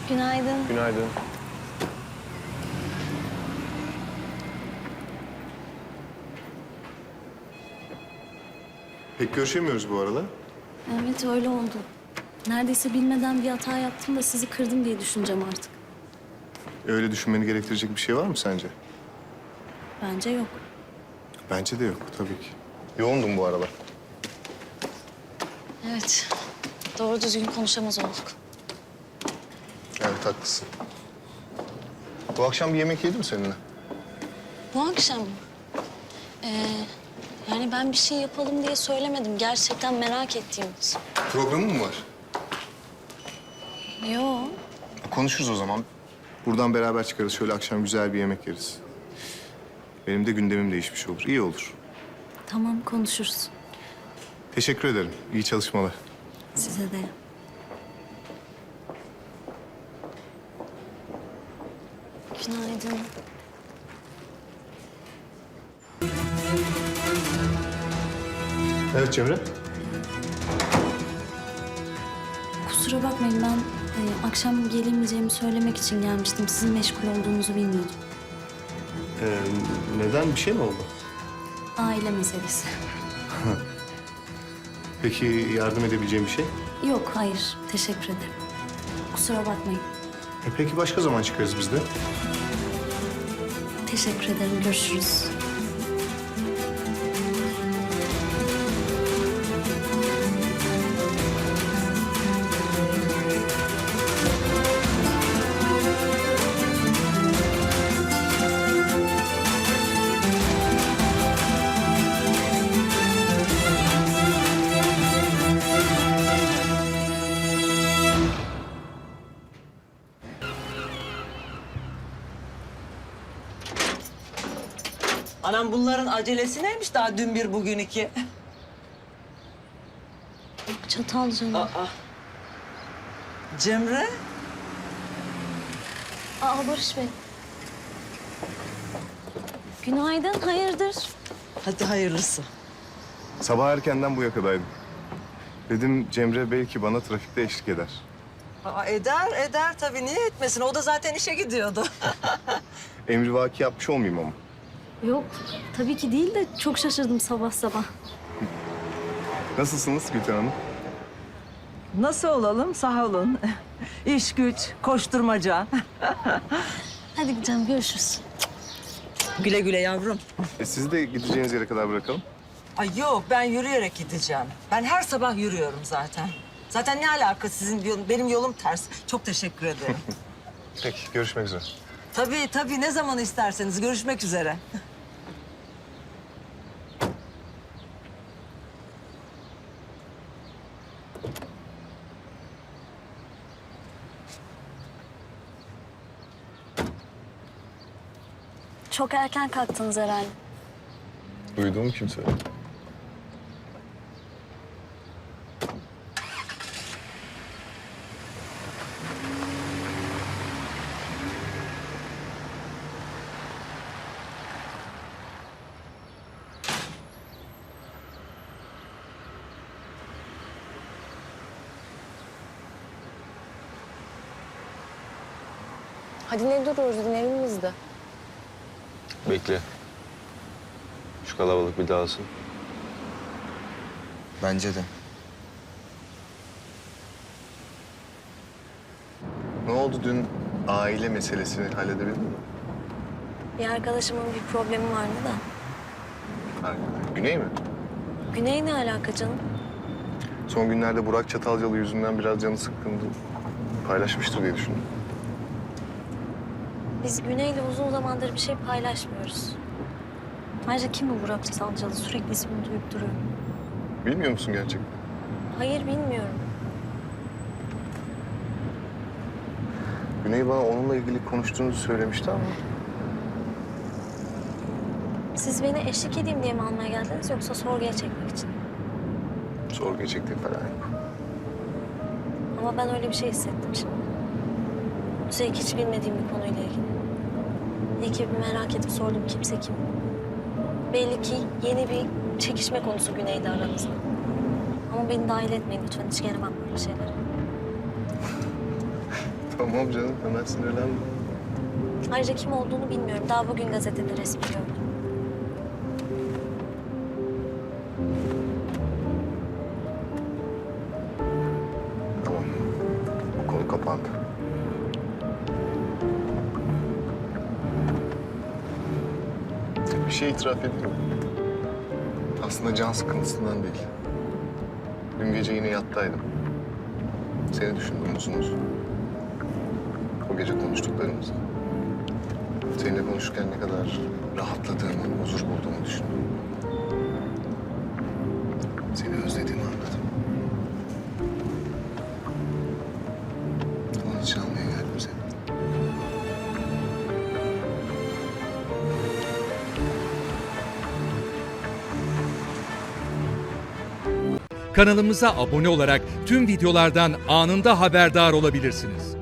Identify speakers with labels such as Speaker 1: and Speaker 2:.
Speaker 1: Günaydın.
Speaker 2: Günaydın. Pek görüşemiyoruz bu arada.
Speaker 1: Evet öyle oldu. Neredeyse bilmeden bir hata yaptım da sizi kırdım diye düşüneceğim artık.
Speaker 2: Öyle düşünmeni gerektirecek bir şey var mı sence?
Speaker 1: Bence yok.
Speaker 2: Bence de yok tabii ki. Yoğundum bu aralar.
Speaker 1: Evet. Doğru düzgün konuşamaz olduk.
Speaker 2: Evet haklısın. Bu akşam bir yemek yedim seninle.
Speaker 1: Bu akşam mı? Yani ben bir şey yapalım diye söylemedim. Gerçekten merak ettiğimiz.
Speaker 2: Programın mı var?
Speaker 1: Yo.
Speaker 2: Konuşuruz o zaman. Buradan beraber çıkarız. Şöyle akşam güzel bir yemek yeriz. Benim de gündemim değişmiş olur. İyi olur.
Speaker 1: Tamam konuşuruz.
Speaker 2: Teşekkür ederim. İyi çalışmalar.
Speaker 1: Size de. Günaydın.
Speaker 2: Evet Cemre.
Speaker 1: Kusura bakmayın ben akşam gelemeyeceğimi söylemek için gelmiştim. Sizin meşgul olduğunuzu bilmiyordum.
Speaker 2: Neden? Bir şey mi oldu?
Speaker 1: Aile meselesi.
Speaker 2: Peki yardım edebileceğim bir şey?
Speaker 1: Yok hayır teşekkür ederim. Kusura bakmayın.
Speaker 2: Peki başka zaman çıkarız biz de.
Speaker 1: Teşekkür ederim görüşürüz.
Speaker 3: Anam bunların acelesi neymiş daha dün bir bugün iki?
Speaker 1: Çatalca'nın.
Speaker 3: Cemre?
Speaker 1: Barış Bey. Günaydın hayırdır?
Speaker 3: Hadi hayırlısı.
Speaker 2: Sabah erkenden bu yakadaydım. Dedim Cemre belki bana trafikte eşlik eder.
Speaker 3: Eder tabii. Niye etmesin? O da zaten işe gidiyordu.
Speaker 2: Emrivaki yapmış olmayayım ama.
Speaker 1: Yok tabii ki değil de çok şaşırdım sabah sabah.
Speaker 2: Nasılsınız Gülten Hanım?
Speaker 3: Nasıl olalım? Sağ olun. İş güç, koşturmaca.
Speaker 1: Hadi gideceğim görüşürüz.
Speaker 3: Güle güle yavrum.
Speaker 2: Sizi de gideceğiniz yere kadar bırakalım.
Speaker 3: Ay yok, ben yürüyerek gideceğim. Ben her sabah yürüyorum zaten. Zaten ne alaka sizin benim yolum ters. Çok teşekkür ederim.
Speaker 2: Peki, görüşmek üzere.
Speaker 3: Tabii ne zaman isterseniz görüşmek üzere.
Speaker 1: Çok erken kalktınız herhalde.
Speaker 2: Duyduğumu kim söyledi?
Speaker 1: Hadi ne duruyoruz inelim biz de.
Speaker 4: Bekle. Şu kalabalık bir dağılsın.
Speaker 5: Bence de.
Speaker 2: Ne oldu dün aile meselesini halledebildin mi?
Speaker 1: Bir arkadaşımın bir problemi vardı da.
Speaker 2: Ha, Güney mi?
Speaker 1: Güney ne alaka canım?
Speaker 2: Son günlerde Burak Çatalcalı yüzünden biraz canı sıkkındı. Paylaşmıştır diye düşündüm.
Speaker 1: Biz Güney'le uzun zamandır bir şey paylaşmıyoruz. Ayrıca kim bu Burak Çatalcalı? Sürekli ismini duyup duruyor.
Speaker 2: Bilmiyor musun gerçekten?
Speaker 1: Hayır bilmiyorum.
Speaker 2: Güney bana onunla ilgili konuştuğunuzu söylemişti ama...
Speaker 1: Siz beni eşlik edeyim diye mi almaya geldiniz yoksa sorguya çekmek için?
Speaker 2: Sorguya çektiğim falan yok.
Speaker 1: Ama ben öyle bir şey hissettim şimdi. Üstelik hiç bilmediğim bir konuyla ilgili. İyi ki bir merak edip sordum kimse kim. Belli ki yeni bir çekişme konusu Güney'de aranızda. Ama beni dahil etmeyin lütfen. Hiç gelemem böyle şeylere.
Speaker 2: Tamam canım, hemen sinirlenme.
Speaker 1: Ayrıca kim olduğunu bilmiyorum. Daha bugün gazetede resmi gördüm.
Speaker 2: Tamam. Bu konu kapandı. Bir şey itiraf edeyim mi? Aslında can sıkıntısından değil. Dün gece yine yattaydım. Seni düşündüm uzun uzun. O gece konuştuklarımızı. Seninle konuşurken ne kadar rahatladığımı, huzur bulduğumu düşündüm. Seni özlediğimi anladım. Onun için almaya geldim seni.
Speaker 5: Kanalımıza abone olarak tüm videolardan anında haberdar olabilirsiniz.